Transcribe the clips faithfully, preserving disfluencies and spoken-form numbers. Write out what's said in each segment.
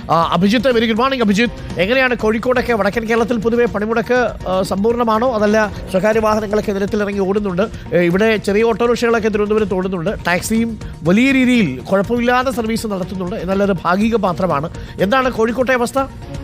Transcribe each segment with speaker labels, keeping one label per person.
Speaker 1: Abhijith, very good morning Abhijith. എങ്ങനെയാണ് കോഴിക്കോടൊക്കെ, വടക്കൻ കേരളത്തിൽ പൊതുവെ പണിമുടക്ക് സമ്പൂർണ്ണമാണോ, അതല്ല സ്വകാര്യ വാഹനങ്ങളൊക്കെ നിരത്തിലിറങ്ങി ഓടുന്നുണ്ട്? ഇവിടെ ചെറിയ ഓട്ടോറിക്ഷകളൊക്കെ തിരുവനന്തപുരത്ത് ഓടുന്നുണ്ട്, ടാക്സിയും വലിയ രീതിയിൽ കുഴപ്പമില്ലാതെ സർവീസ് നടത്തുന്നുണ്ട്, എന്നാൽ അത് ഭാഗിക മാത്രമാണ്. എന്താണ് കോഴിക്കോട്ടെ അവസ്ഥ?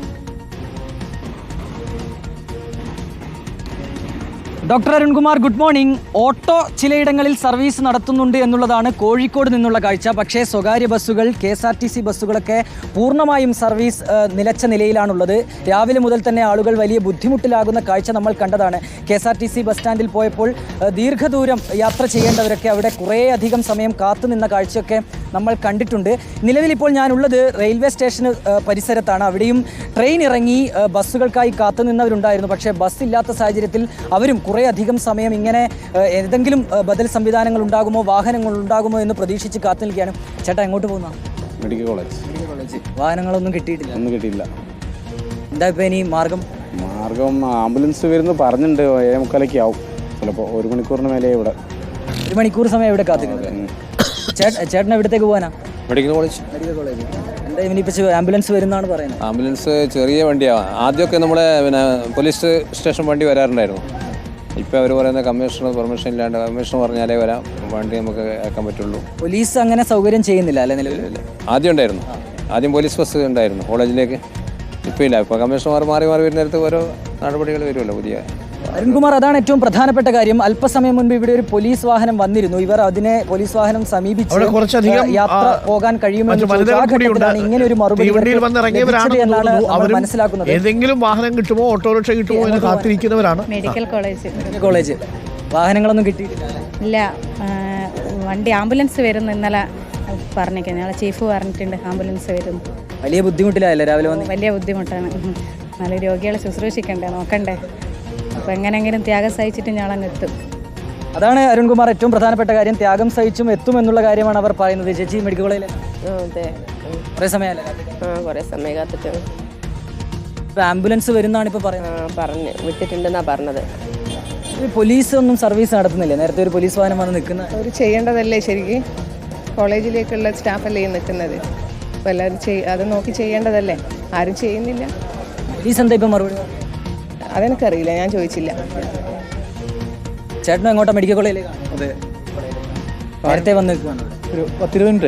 Speaker 2: Doctor Arunkumar, good morning. Auto ചിലയിടങ്ങളിൽ സർവീസ് നടത്തുന്നുണ്ട് എന്നുള്ളതാണ് കോഴിക്കോട് നിന്നുള്ള കാഴ്ച. പക്ഷേ സ്വകാര്യ ബസ്സുകൾ, K S R T C ബസ്സുകളൊക്കെ പൂർണ്ണമായും സർവീസ് നിലച്ച നിലയിലാണുള്ളത്. രാവിലെ മുതൽ തന്നെ ആളുകൾ വലിയ ബുദ്ധിമുട്ടിലാകുന്ന കാഴ്ച നമ്മൾ കണ്ടതാണ്. K S R T C bus സ്റ്റാൻഡിൽ പോയപ്പോൾ ദീർഘദൂരം യാത്ര ചെയ്യേണ്ടവരൊക്കെ അവിടെ കുറേയധികം സമയം കാത്തുനിന്ന കാഴ്ചയൊക്കെ നമ്മൾ കണ്ടിട്ടുണ്ട്. നിലവിലിപ്പോൾ ഞാനുള്ളത് റെയിൽവേ സ്റ്റേഷന് പരിസരത്താണ്. അവിടെയും ട്രെയിൻ ഇറങ്ങി ബസ്സുകൾക്കായി കാത്തുനിന്നവരുണ്ടായിരുന്നു. പക്ഷേ ബസ് ഇല്ലാത്ത സാഹചര്യത്തിൽ അവരും കുറേ അധികം സമയം ഇങ്ങനെ ഏതെങ്കിലും ബദൽ സംവിധാനങ്ങൾ ഉണ്ടാകുമോ, വാഹനങ്ങൾ ഉണ്ടാകുമോ എന്ന് പ്രതീക്ഷിച്ച് കാത്തു നിൽക്കുകയാണ്. ചേട്ടാ, എങ്ങോട്ട് പോകുന്ന?
Speaker 3: Medical college.
Speaker 2: Medical college. വാഹനങ്ങളൊന്നും കിട്ടിയിട്ടില്ല?
Speaker 3: ഒന്നും കിട്ടിയില്ല.
Speaker 2: എന്താ ഇപ്പോൾ ഇനി മാർഗം?
Speaker 3: മാർഗം ആംബുലൻസ് വരുന്നു പറഞ്ഞിട്ടുണ്ട്. ഏഴ് മുക്കാലൊക്കെ ആവും ചിലപ്പോൾ. ഒരു മണിക്കൂറിന് മേലെ ഇവിടെ.
Speaker 2: ഒരു മണിക്കൂർ സമയം ഇവിടെ കാത്തിരിക്കുന്നത്. ചേട്ടൻ എവിടത്തേക്ക് പോകാനാ?
Speaker 3: Medical college.
Speaker 2: Medical college. എന്താ ഇനിയിപ്പോൾ ആംബുലൻസ് വരുന്നതാണ് പറയുന്നത്?
Speaker 4: ആംബുലൻസ് ചെറിയ വണ്ടിയാണ്. ആദ്യമൊക്കെ നമ്മളെ പിന്നെ പോലീസ് സ്റ്റേഷൻ വണ്ടി വരാറുണ്ടായിരുന്നു. ഇപ്പോൾ അവർ പറയുന്ന കമ്മീഷണർ പെർമിഷൻ ഇല്ലാണ്ട്, കമ്മീഷണർ പറഞ്ഞാലേ വരാം വണ്ടി നമുക്ക് അയക്കാൻ പറ്റുള്ളൂ.
Speaker 2: പോലീസ് അങ്ങനെ സൗകര്യം ചെയ്യുന്നില്ല അല്ലേ നിലവിൽ?
Speaker 4: ആദ്യം ഉണ്ടായിരുന്നു. ആദ്യം പോലീസ് ബസ് ഉണ്ടായിരുന്നു കോളേജിലേക്ക്. ഇപ്പോൾ ഇല്ല. ഇപ്പോൾ കമ്മീഷണർമാർ മാറി മാറി വരുന്നിടത്ത് ഓരോ നടപടികൾ വരുമല്ലോ പുതിയ.
Speaker 2: അരുൺകുമാർ, അതാണ് ഏറ്റവും പ്രധാനപ്പെട്ട കാര്യം. അല്പസമയം മുൻപ് ഇവിടെ ഒരു പോലീസ് വാഹനം വന്നിരുന്നു. ഇവർ അതിനെ പോലീസ് വാഹനം സമീപിച്ച് യാത്ര പോകാൻ കഴിയുമെന്ന് ഇങ്ങനെ ഒരു മറുപടി മനസ്സിലാക്കുന്നത്.
Speaker 1: ഏതെങ്കിലും വാഹനം കിട്ടുമോ, ഓട്ടോറിക്ഷ കിട്ടുമോ എന്ന് കാത്തിരിക്കുന്നവരാണ്.
Speaker 5: Medical college.
Speaker 2: കോളേജ് വാഹനങ്ങളൊന്നും കിട്ടിയിട്ടില്ല?
Speaker 5: ഇല്ല, വണ്ടി ആംബുലൻസ് വരുന്നു. ഇന്നലെ പറഞ്ഞേക്കാം, ഞങ്ങളെ ചീഫ് പറഞ്ഞിട്ടുണ്ട് ആംബുലൻസ് വരുന്നു.
Speaker 2: വലിയ ബുദ്ധിമുട്ടിലായല്ലേ രാവിലെ വന്ന്?
Speaker 5: വലിയ ബുദ്ധിമുട്ടാണ്. നല്ല രോഗികളെ ശുശ്രൂഷിക്കണ്ടേ, നോക്കണ്ടേ. അപ്പോൾ എങ്ങനെയെങ്കിലും ത്യാഗം സഹിച്ചിട്ട് ഞങ്ങളങ്ങ് എത്തും.
Speaker 2: അതാണ് അരുൺകുമാർ, ഏറ്റവും പ്രധാനപ്പെട്ട കാര്യം. ത്യാഗം സഹിച്ചും എത്തും എന്നുള്ള കാര്യമാണ് അവർ പറയുന്നത്. ചേച്ചി, മെഡിക്കൽ കോളേജിൽ
Speaker 6: അതെ
Speaker 2: കുറേ സമയമല്ലേ?
Speaker 6: ആ കുറേ സമയം കാത്തിട്ട്.
Speaker 2: ഇപ്പോൾ ആംബുലൻസ് വരുന്നതാണ് ഇപ്പോൾ പറയുന്നത്.
Speaker 6: പറഞ്ഞ് വിട്ടിട്ടുണ്ടെന്നാണ് പറഞ്ഞത്.
Speaker 2: പോലീസ് ഒന്നും സർവീസ് നടത്തുന്നില്ല? നേരത്തെ ഒരു പോലീസ് വാഹനം വന്ന് നിൽക്കുന്ന
Speaker 7: അവർ ചെയ്യേണ്ടതല്ലേ ശരിക്കും? കോളേജിലേക്കുള്ള സ്റ്റാഫല്ലേ നിൽക്കുന്നത്. അപ്പോൾ എല്ലാവരും ചെയ് അത് നോക്കി ചെയ്യേണ്ടതല്ലേ, ആരും ചെയ്യുന്നില്ല.
Speaker 2: പോലീസ് എന്താ ഇപ്പം മറുപടി?
Speaker 7: അതെനിക്കറിയില്ല, ഞാൻ ചോദിച്ചില്ല.
Speaker 2: ചേട്ടനും എങ്ങോട്ടാ? മെഡിക്കൽ കോളേജിലേക്കാണ്.
Speaker 3: അതെ.
Speaker 2: നേരത്തെ വന്ന് നിൽക്കുകയാണ്.
Speaker 3: ഒരു പത്തിരുപത് മിനിറ്റ്.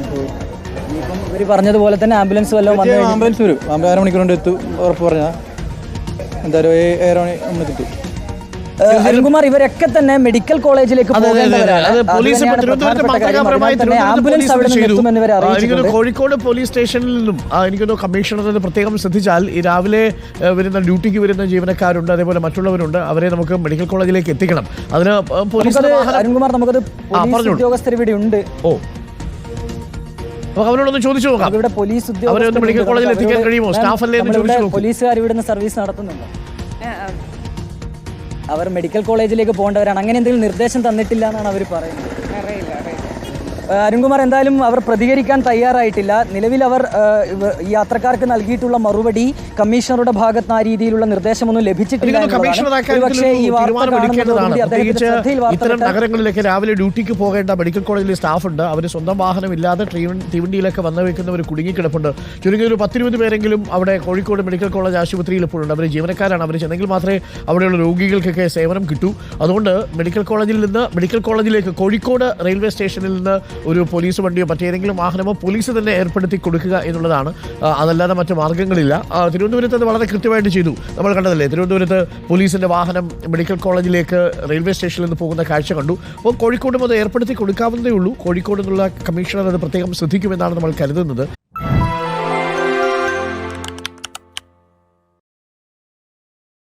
Speaker 2: ഇപ്പം ഇവർ പറഞ്ഞതുപോലെ തന്നെ ആംബുലൻസ് വല്ലതും വന്നു?
Speaker 3: ആംബുലൻസ് വരും. അര മണിക്കൂർ കൊണ്ട് എത്തും ഉറപ്പ് പറഞ്ഞാൽ. എന്തായാലും ഏറെ മണി നമ്മൾ കിട്ടും.
Speaker 2: അരുൺകുമാർ, ഇവരൊക്കെ തന്നെ മെഡിക്കൽ കോളേജിലേക്ക്
Speaker 1: കോഴിക്കോട് പോലീസ് സ്റ്റേഷനിൽ നിന്നും എനിക്കൊന്ന് കമ്മീഷണർ പ്രത്യേകം ശ്രദ്ധിച്ചാൽ, ഈ രാവിലെ വരുന്ന ഡ്യൂട്ടിക്ക് വരുന്ന ജീവനക്കാരുണ്ട്, അതേപോലെ മറ്റുള്ളവരുണ്ട്. അവരെ നമുക്ക് മെഡിക്കൽ കോളേജിലേക്ക് എത്തിക്കണം. അതിന് പോലീസ്
Speaker 2: അരുൺകുമാർ നമുക്കത് ഉദ്യോഗസ്ഥർ ഇവിടെ ഉണ്ട്.
Speaker 1: ഓ, അവരോടൊന്ന് ചോദിച്ചു നോക്കാം.
Speaker 2: ഇവിടെ പോലീസ്
Speaker 1: അവരെ ഒന്ന് മെഡിക്കൽ കോളേജിൽ എത്തിക്കാൻ കഴിയുമോ? സ്റ്റാഫ് അല്ലേ?
Speaker 2: പോലീസുകാർ ഇവിടുന്ന് സർവീസ് നടത്തുന്നുണ്ടോ? അവർ മെഡിക്കൽ കോളേജിലേക്ക് പോകേണ്ടവരാണ്. അങ്ങനെ എന്തെങ്കിലും നിർദ്ദേശം തന്നിട്ടില്ല എന്നാണ് അവർ പറയുന്നത്. അരുൺകുമാർ, എന്തായാലും അവർ പ്രതികരിക്കാൻ തയ്യാറായിട്ടില്ല. നിലവിൽ അവർ യാത്രക്കാർക്ക് നൽകിയിട്ടുള്ള മറുപടി കമ്മീഷണറുടെ ഭാഗത്ത് ആ രീതിയിലുള്ള നിർദ്ദേശമൊന്നും ലഭിച്ചിട്ടില്ല.
Speaker 1: ഇത്തരം നഗരങ്ങളിലേക്ക് രാവിലെ ഡ്യൂട്ടിക്ക് പോകേണ്ട മെഡിക്കൽ കോളേജിലെ സ്റ്റാഫ് ഉണ്ട്. അവർ സ്വന്തം വാഹനമില്ലാതെ തീവണ്ടിയിലൊക്കെ വന്നു വെക്കുന്നവർ കുടുങ്ങിക്കിടപ്പുണ്ട്. ചുരുങ്ങിയ ഒരു പത്തിരുപത് പേരെങ്കിലും അവിടെ കോഴിക്കോട് മെഡിക്കൽ കോളേജ് ആശുപത്രിയിൽ ഇപ്പോഴുണ്ട്. അവർ ജീവനക്കാരാണ്. അവർ ചെന്നെങ്കിൽ മാത്രമേ അവിടെയുള്ള രോഗികൾക്കൊക്കെ സേവനം കിട്ടൂ. അതുകൊണ്ട് മെഡിക്കൽ കോളേജിൽ നിന്ന് മെഡിക്കൽ കോളേജിലേക്ക് കോഴിക്കോട് റെയിൽവേ സ്റ്റേഷനിൽ നിന്ന് ഒരു പോലീസ് വണ്ടിയോ മറ്റേതെങ്കിലും വാഹനമോ പോലീസ് തന്നെ ഏർപ്പെടുത്തി കൊടുക്കുക എന്നുള്ളതാണ്. അതല്ലാതെ മറ്റു മാർഗ്ഗങ്ങളില്ല. തിരുവനന്തപുരത്ത് അത് വളരെ കൃത്യമായിട്ട് ചെയ്തു. നമ്മൾ കണ്ടതല്ലേ, തിരുവനന്തപുരത്ത് പോലീസിൻ്റെ വാഹനം മെഡിക്കൽ കോളേജിലേക്ക് റെയിൽവേ സ്റ്റേഷനിൽ നിന്ന് പോകുന്ന കാഴ്ച കണ്ടു. അപ്പോൾ കോഴിക്കോടും അത് ഏർപ്പെടുത്തി കൊടുക്കാവുന്നതേ ഉള്ളൂ. കോഴിക്കോട് നിന്നുള്ള കമ്മീഷണർ അത് പ്രത്യേകം ശ്രദ്ധിക്കുമെന്നാണ് നമ്മൾ കരുതുന്നത്.